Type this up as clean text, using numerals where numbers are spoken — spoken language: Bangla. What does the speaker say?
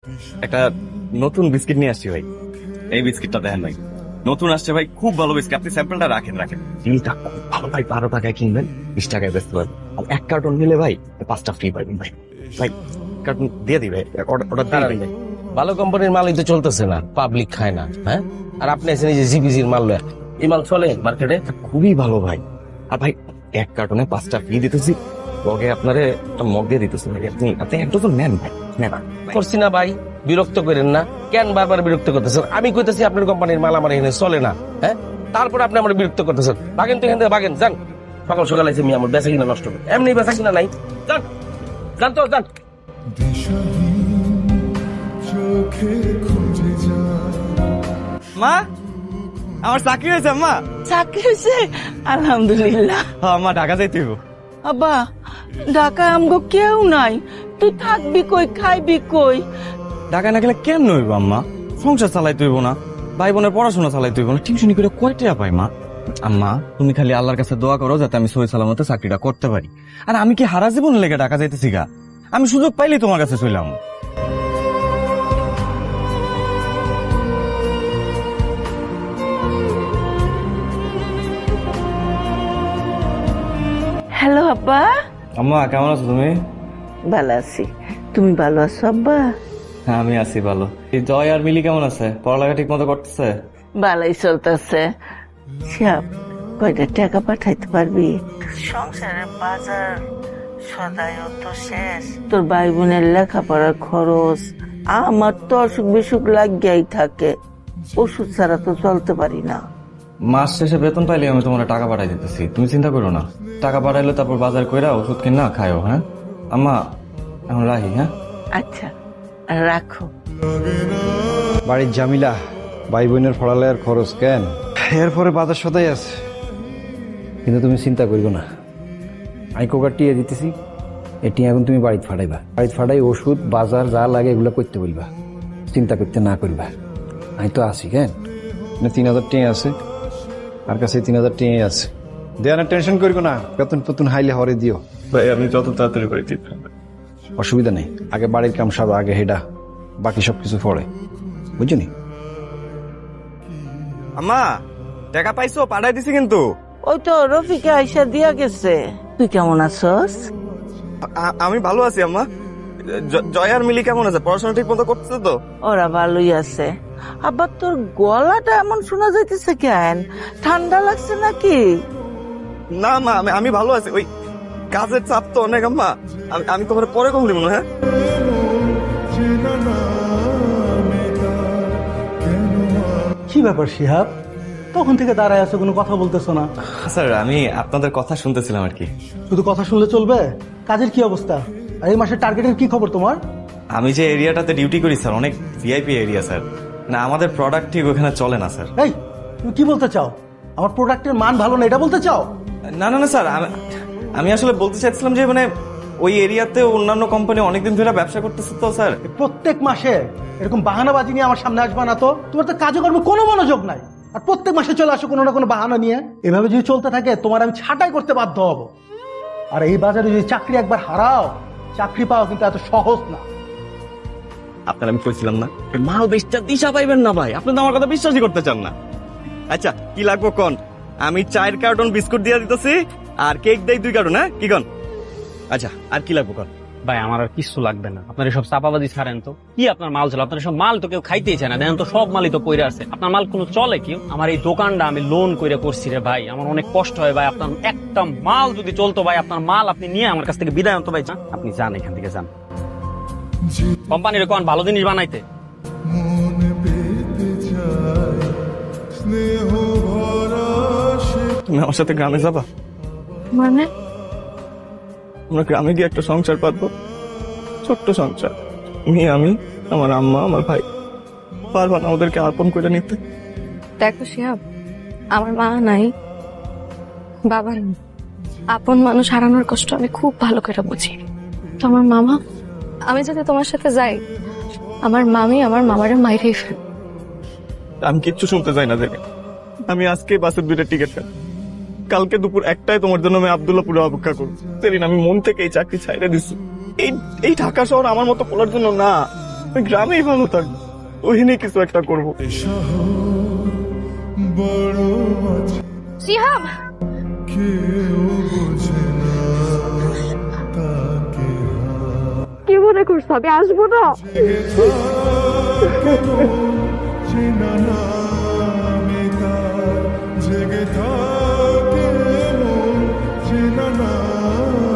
একটা নতুন বিস্কিট নিয়ে আসছি ভাই। এই বিস্কিটটা দেখেন ভাই, নতুন আসছে ভাই, খুব ভালো বিস্কিট। আপনি স্যাম্পলটা রাখেন রাখেন। ডিলটা খুব ভালো ভাই, 12 টাকায় কিনবেন, 20 টাকায় বেচতে পারবেন। আর 1 কার্টন নিলে ভাই 5টা ফ্রি পাবেন ভাই। ভাই কার্টন দিয়ে দিবে, অর্ডার দিয়ে ভাই। ভালো কোম্পানির মালই তো চলতেছে না, পাবলিক খায় না। হ্যাঁ, আর আপনি এসে যে জিপিজির মাল লয়, এই মাল চলে মার্কেটে? খুবই ভালো ভাই। আর ভাই 1 কার্টনে 5টা ফ্রি দিতেছি, লগে আপনারে একটা মগ দিয়ে দিতেছি ভাই। আপনি আপনি এক ডজন নেন ভাই, নেন। করছি না ভাই, বিরক্ত করেন না। কেন বারবার বিরক্ত করতেছেন? আমি কইতেছি আপনার কোম্পানির মাল আমার এখানে চলে না, হ্যাঁ, তারপরে আপনি আমার বিরক্ত করতেছেন। বাগেন তো এখান থেকে বাগেন, যান। সকাল সকাল এসে আমি আমার বেচা কিনা নষ্ট করি, এমনি বেচা কিনা নাই। যান যান তো যান। মা, আমার চাকরি হয়েছে মা। চাকরি হয়েছে? আলহামদুলিল্লাহ। মা ঢাকা যাইতে হইব। আব্বা, ঢাকায় আমগো কেউ নাই, তুই থাকবি কই, খাইবি কই? ঢাকা না গেলে কেমন হইব আম্মা? সংসার চালাইতে হইব না, ভাই বোনের পড়াশোনা চালাইতে হইব না, টিউশনি করে কয় টাকা পাই মা? আম্মা তুমি খালি আল্লাহর কাছে দোয়া করো যাতে আমি সহি সালামতে চাকরিটা করতে পারি। আর আমি কি হারা জীবন লেগে ঢাকা যাইতেছি গা? আমি সুযোগ পাইলেই তোমার কাছে চইলাম। হ্যালো আব্বা। আম্মা কেমন আছো তুমি? ভালো আছি, তুমি ভালো আছো আব্বা? হ্যাঁ আমি আছি ভালো। এই জয় আর মিলি কেমন আছে? পড়ালেখা ঠিক মতো করতেছে? ভালোই চলতেছে। সাপ, কয়টা টাকা পাঠাইতে পারবি? সংসারের বাজার সদাইও তো শেষ, তোর ভাই বোনের লেখাপড়ার খরচ, আমার তো অসুখ বিসুখ লাগিয়াই থাকে, ওষুধ ছাড়া তো চলতে পারি না। মাস শেষে বেতন পাইলে আমি তোমার টাকা পাঠাই দিতেছি, তুমি চিন্তা করো না। টাকা পাঠাইলে তারপর বাজার কইরা ওষুধ কিনা খায়ও। হ্যাঁ আম্মা, এখন রাখি। হ্যাঁ আচ্ছা, রাখো। বাড়ির জামিলা, ভাই বোনের পড়ালেখার খরচ কেন, এরপরে বাজার সদাই আছে। কিন্তু তুমি চিন্তা করবে না, আমি কোকার টিয়া দিতেছি, এটি এখন তুমি বাড়িতে ফাটাইবা। বাড়িতে ফাটাই ওষুধ বাজার যা লাগে এগুলো করতে বলবা, চিন্তা করতে না করবা। আমি তো আছি কেন, 3000 টিয়া আছে, আর কাছে 3000 টিয়াই আছে। দেওয়ার টেনশন করবো না, বেতন পতন হাইলে হরে দিও ভাই, আমি যত তাড়াতাড়ি করে দিতে। অসুবিধা নেই। আগে বাড়ির কাম সারো, আগে হেডা, বাকি সবকিছু পরে, বুঝলি? আম্মা টাকা পাইছো? পাঠাই দিছি কিন্তু। ওই তো রফিকে আইসা দিয়া গেছে। তুই কেমন আছস? আমি ভালো আছি আম্মা। জয় আর মিলি কেমন আছে? পড়াশোনা ঠিক মতো করতেছে তো? ওরা ভালোই আছে। আবার তোর গলাটা এমন শোনা যাইতেছে কেন? ঠান্ডা লাগছে নাকি? না মা, আমি ভালো আছি। ওই কাজের চাপ তো অনেক আম্মা। আমি তোমার পরে কখন দিব না। হ্যাঁ কি ব্যাপার শিহাব, তখন থেকে দাঁড়ায় আছো, কোনো কথা বলতেছো না? স্যার, আমি আপনাদের কথা শুনতেছিলাম আর কি। শুধু কথা শুনলে চলবে? কাজের কি অবস্থা? আর এই মাসের টার্গেটের কি খবর তোমার? আমি যে এরিয়াটাতে ডিউটি করি স্যার, অনেক ভিআইপি এরিয়া স্যার। না আমাদের প্রোডাক্ট ঠিক ওখানে চলে না স্যার। এই, তুমি কি বলতে চাও? আমার প্রোডাক্টের মান ভালো না এটা বলতে চাও? না না না স্যার, আমি আসলে বলতে চাইছিলাম যে মানে ওই এরিয়াতে অন্যান্য কোম্পানি অনেকদিন ধরে ব্যবসা করতেছে তো স্যার। প্রত্যেক মাসে এরকম বাহানাবাজি নিয়ে আমার সামনে আসবা না তো। তোমার তো কাজে কর্মে কোনো মনোযোগ নাই, আর প্রত্যেক মাসে চলে আসো কোনো না কোনো বাহানা নিয়ে। এভাবে যদি চলতে থাকে তোমার আমি ছাঁটাই করতে বাধ্য হব। আর এই বাজারে যদি চাকরি একবার হারাও, চাকরি পাওয়া কিন্তু এত সহজ না। আপনার আমি কইছিলাম না, মাল বেচটা দিশা পাইবেন না ভাই। আপনি তো আমার কথা বিশ্বাসই করতে চান না। আচ্ছা কি লাগবো কোন? আমি 4 কার্টন বিস্কুট দিয়ে দিতেছি, আর কেক দেই 2 কার্টন। হ্যাঁ কি কোন? আচ্ছা আর কি লাগবো কোন? ভাই আমার আর কিছু লাগবে না, আপনার সব চাপাবাজি ছাড়েন তো। কি আপনার মাল চলে? আপনার সব মাল তো কেউ খাইতেই চায় না, দেখেন তো সব মালই তো পইরা আছে। আপনার মাল কোনো চলে কেউ? আমার এই দোকানটা আমি লোন করে করছি রে ভাই, আমার অনেক কষ্ট হয় ভাই। আপনার একটা মাল যদি চলতো ভাই, আপনার মাল আপনি নিয়ে আমার কাছ থেকে বিদায় আনতো ভাই। আপনি যান এখান থেকে, যান। কোম্পানির কোন ভালো জিনিস বানাইতে। তুমি আমার সাথে গ্রামে যাবা? মানে আমরা গ্রামে গিয়ে একটা সংসার পাতবো, ছোট্ট সংসার। আমি, আমার আম্মা, আমার ভাই। পারবা না ওদেরকে আপন করে নিতে? দেখো শিহাব, আমার মা নাই, বাবা নেই, আপন মানুষ হারানোর কষ্ট আমি খুব ভালো করে বুঝি। তো আমার মামা, আমি যদি তোমার সাথে যাই, আমার মামি আমার মামারে মাইরেই ফেল। আমি কিচ্ছু শুনতে চাই না দেখে। আমি আজকে বাসের 2টা টিকিট কাট, কালকে দুপুর 1টায় তোমার জন্য আমি আব্দুল্লাহপুরে অপেক্ষা করবো। সেদিন আমি মন থেকে এই চাকরি ছাইড়ে দিচ্ছি। এই ঢাকা শহর আমার মতো পড়ার জন্য না। ওই গ্রামেই ভালো থাকবো, ওইখানে কিছু একটা করবো। শিহাব কি মনে করছো আমি আসবো না? জেগে থাকে